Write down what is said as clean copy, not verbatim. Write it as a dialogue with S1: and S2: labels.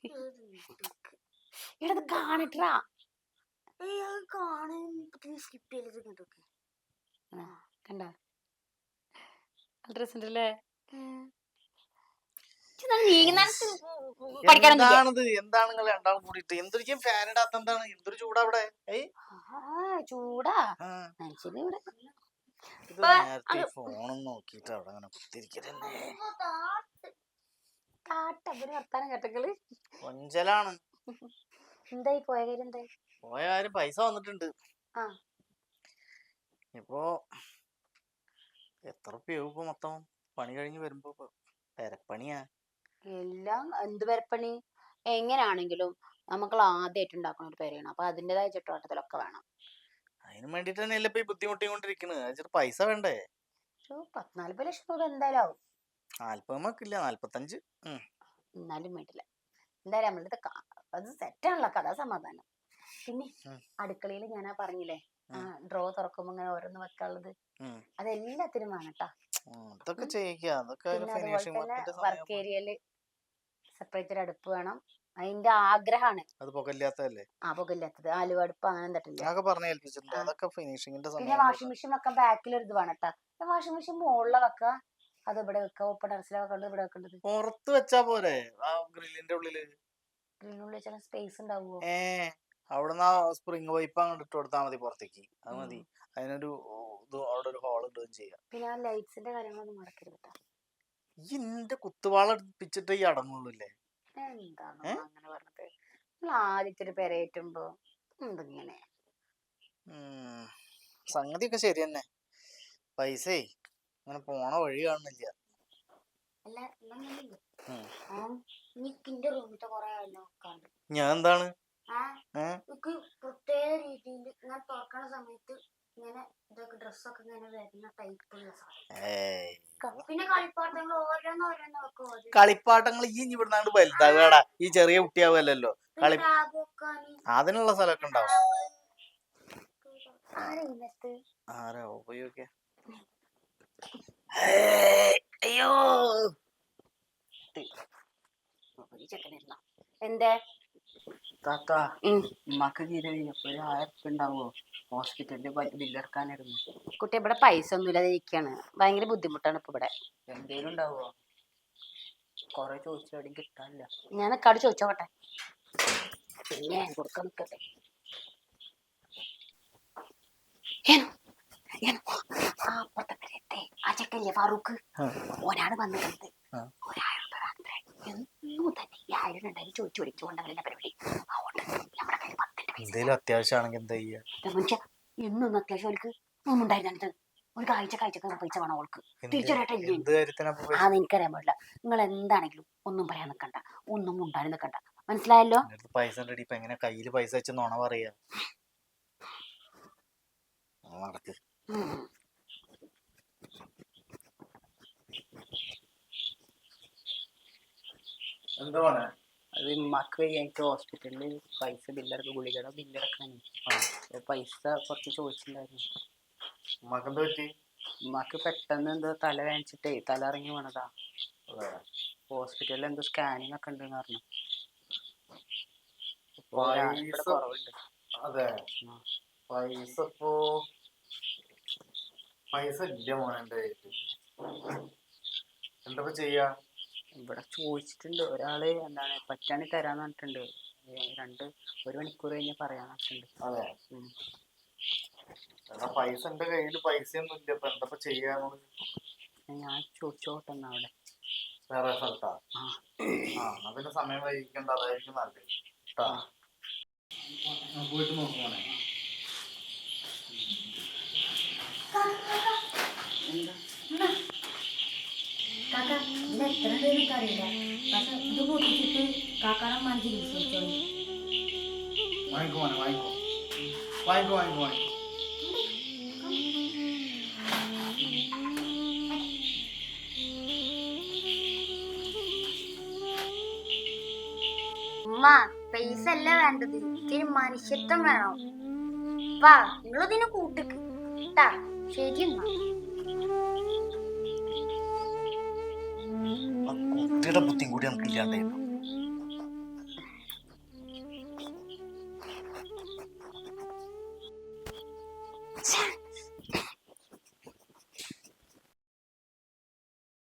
S1: എടത് കാണിട്ടാ
S2: skip ചെയ്തിട്ട്
S1: കണ്ട dress ഉണ്ടല്ലേ.
S3: എന്താണത്? എന്താണ് നിങ്ങൾ രണ്ടാളും കൂടിയിട്ട് എന്തൊരു ഫാൻ ഇടാത്ത? എന്താണ് എന്തൊരു ചൂടാ അവിടെ?
S1: ചൂടാ മനുഷ്യന്
S3: ഇത് നേരത്തെ ഫോണും നോക്കിട്ട് അവിടെ അങ്ങനെ കുത്തിരിക്കലെന്നെ.
S1: വർത്താനം കേട്ടങ്ങള്
S3: കൊഞ്ചലാണ്.
S1: എന്തായി പോയ കാര്യം? എന്തായി
S3: പോയ കാര്യം? പൈസ വന്നിട്ടുണ്ട്. ഇപ്പൊ എത്ര രൂപയാവും ഇപ്പൊ മൊത്തം പണി കഴിഞ്ഞ് വരുമ്പോ? പെരപ്പണിയാ
S1: എല്ലാം. എന്ത് പെരപ്പണി? എങ്ങനെയാണെങ്കിലും നമുക്ക് ആദ്യമായിട്ട് ഉണ്ടാക്കുന്ന ഒരു പെരയാണ്. അപ്പൊ അതിൻ്റെതായ ചുറ്റുവട്ടത്തിലൊക്കെ വേണം.
S3: അതിന് വേണ്ടിട്ട് തന്നെയല്ലേ ഇപ്പൊ ഈ ബുദ്ധിമുട്ടിക്കൊണ്ടിരിക്കുന്നത്. പൈസ വേണ്ടേ?
S1: 40 ലക്ഷം രൂപ എന്തായാലും ആവും.
S3: 40 45.
S1: എന്നാലും വേണ്ടില്ല. എന്തായാലും നമ്മളുടെ അത് സെറ്റാണല്ലോ കഥ. സമാധാനം. പിന്നെ അടുക്കളയിൽ ഞാനാ പറഞ്ഞില്ലേ ഡ്രോ തുറക്കുമ്പോ ഇങ്ങനെ ഓരോന്ന് വെക്കാനുള്ളത്, അതെല്ലാത്തിനും വേണട്ടാ. പിന്നെ അതുപോലെ തന്നെ വർക്ക് ഏരിയയില് സെപ്പറേറ്റ് ഒരു അടുപ്പ് വേണം. അതിന്റെ ആഗ്രഹമാണ്. പുകയില്ലാത്തത് ആലുവ അടുപ്പ് അങ്ങനെ എന്തിട്ടില്ല. പിന്നെ വാഷിംഗ് മെഷീൻ വെക്കാൻ ബാക്കിൽ ഒരു ഇത് വേണട്ടാ. വാഷിംഗ് മെഷീൻ മുകളിലെ വെക്ക, അത് ഇവിടെ വെക്ക. ഓപ്പൺ ടെറസിലെ വെക്കേണ്ടത് ഇവിടെ വെക്കേണ്ടത്
S3: പുറത്ത് വെച്ചാ പോരെ? ഗ്രില്ലിന്റെ ഉള്ളില്
S1: വെച്ചാൽ സ്പേസ് ഉണ്ടാവുമോ?
S3: അവിടുന്ന് സ്പ്രിംഗ് പൈപ്പ് അങ്ങോട്ട് ഇട്ട് കൊടുത്താൽ മതി പുറത്തേക്ക്. അത് മതി. അതിനൊരു അവിടെ ഒരു ഹോൾ ഇടുകയും ചെയ്യാം. പിന്നെ
S1: ആ ലൈറ്റ്സിന്റെ കാര്യങ്ങളൊന്നും മറക്കരുത്.
S3: ഈ നിന്റെ കുത്തുവാള അടുപ്പിച്ചിട്ട് ഈ അടങ്ങുള്ളൂല്ലേ?
S1: എന്താണ് അങ്ങനെ പറഞ്ഞത്? ആദ്യത്തെ ഒരു പെരയേറ്റുമ്പോ എന്തിങ്ങനെ?
S3: സംഗതിയൊക്കെ ശരി തന്നെ. പൈസേ അങ്ങനെ പോണ വഴി കാണുന്നില്ല. ഞാൻ എന്താണ്
S2: പ്രത്യേക രീതിയിൽ ഞാൻ തുറക്കണ സമയത്ത് ഇങ്ങനെ ഇതൊക്കെ ഡ്രസ്സൊക്കെ ഇങ്ങനെ വരുന്ന ടൈപ്പുള്ള സാധനം. പിന്നെ കളിപ്പാട്ടങ്ങൾ ഓരോന്നോരോന്നൊക്കെ
S3: കളിപ്പാട്ടങ്ങൾ ഈ ഇവിടുന്നാണ്ട് വലുതാകാടാ. ഈ ചെറിയ കുട്ടിയാവല്ലോ. അതിനുള്ള സ്ഥലമൊക്കെ ഉണ്ടാവും. ആരാ ഉപയോഗിക്ക? അയ്യോ
S1: എന്തേ
S4: താത്ത, ഉമ്മാക്ക് തീരെ ഒരു 1000 ഉണ്ടാവോ? ഹോസ്പിറ്റലില് ബില്ലെടുക്കാനായിരുന്നു.
S1: കുട്ടി ഇവിടെ പൈസ ഒന്നുമില്ലാതെ ഇരിക്കാണ്. ഭയങ്കര ബുദ്ധിമുട്ടാണ് ഇപ്പൊ ഇവിടെ.
S4: എന്തേലും ഉണ്ടാവോ? കൊറേ ചോദിച്ചാലും കിട്ടാനില്ല.
S1: ഞാൻ നിക്കാട് ചോദിച്ചോട്ടെ. പിന്നെ കൊടുക്കാൻ നിക്കട്ടെ. അപ്പുറത്തെ പെരയത്തെ ആ ചെക്കല്ലേ ഫാറൂഖ്, ഒരാള് വന്നിട്ടുണ്ട്. 1000 എന്നും തന്നെ 1000 ഉണ്ടായി ചോദിച്ചു വിളിച്ചുകൊണ്ടവരുടെ പരിപാടി. അതുകൊണ്ട് നമ്മുടെ കയ്യിൽ 10 പൈസ.
S3: അത്യാവശ്യമാണെങ്കിൽ എന്താ ചെയ്യാ?
S1: മനുഷ്യ എന്നും അത്യാവശ്യം അവർക്ക് ഒന്നും ഉണ്ടായിരുന്നത്. ഒരു കാഴ്ചക്ക് പൈസ വേണം അവൾക്ക്. തിരിച്ചറിയട്ടില്ലേ? എനിക്കറിയാൻ പാടില്ല. നിങ്ങൾ എന്താണെങ്കിലും ഒന്നും പറയാൻ നിൽക്കണ്ട, ഒന്നും ഉണ്ടായി നിൽക്കണ്ട. മനസ്സിലായല്ലോ?
S3: പൈസ എങ്ങനെ കയ്യില് പൈസ വെച്ച് നോണ പറയാ? നടക്ക്. എന്താ പറയാ?
S4: അത് ഉമ്മാക്ക് എനിക്ക് ഹോസ്പിറ്റലില് പൈസ ബില്ലടക്കം, ഗുളികയുടെ ബില്ലടക്കാണ്. പൈസ കുറച്ച് ചോദിച്ചിട്ടുണ്ടായിരുന്നു. ഉമ്മാക്ക് പെട്ടെന്ന് എന്തോ തല വേദനിച്ചിട്ടേ തല ഇറങ്ങി വീണതാ. ഹോസ്പിറ്റലിൽ എന്തോ സ്കാനിങ് ഒക്കെ ഉണ്ടെന്ന് പറഞ്ഞു. കുറവുണ്ട്.
S3: അതെ, പൈസ ഇല്ല മോനെ. എന്താ ചെയ്യാ?
S4: ഇവിടെ ചോദിച്ചിട്ടുണ്ട്. ഒരാള് എന്താണ് പറ്റാണി തരാന്ന് പറഞ്ഞിട്ടുണ്ട്. 1 മണിക്കൂർ കഴിഞ്ഞ് പറയാന്ന് പറഞ്ഞിട്ടുണ്ട്.
S3: അതെ, പൈസ എന്റെ കയ്യില് പൈസയൊന്നും ഇല്ല. ഇപ്പൊ എന്താ ചെയ്യാന്ന്
S4: ഞാൻ ചോദിച്ചോട്ടെ അവിടെ
S3: വേറെ സ്ഥലത്താ. പിന്നെ സമയം വൈകിക്കണ്ട, അതായിരിക്കും നല്ലത്. പോയിട്ട് നോക്കുമോനെ.
S2: അറിയില്ല. പക്ഷെ ഇത് പൊട്ടിച്ചിട്ട് കാക്കാടൻ മാഞ്ചി വിശ്വസിച്ചോളൂ.
S3: വാങ്ങിക്കോ.
S2: ഉമ്മ, പൈസ അല്ല വേണ്ടത്, ഇത്തിരി മനുഷ്യത്വം വേണം. വാ, നിങ്ങളിതിനെ കൂട്ടിക്ക്. ശരി എന്നാ.
S3: കുട്ടിയുടെ ബുദ്ധി കൂടി നമുക്ക് ഇല്ലാണ്ടായിരുന്നു.
S1: ശ്ശെ.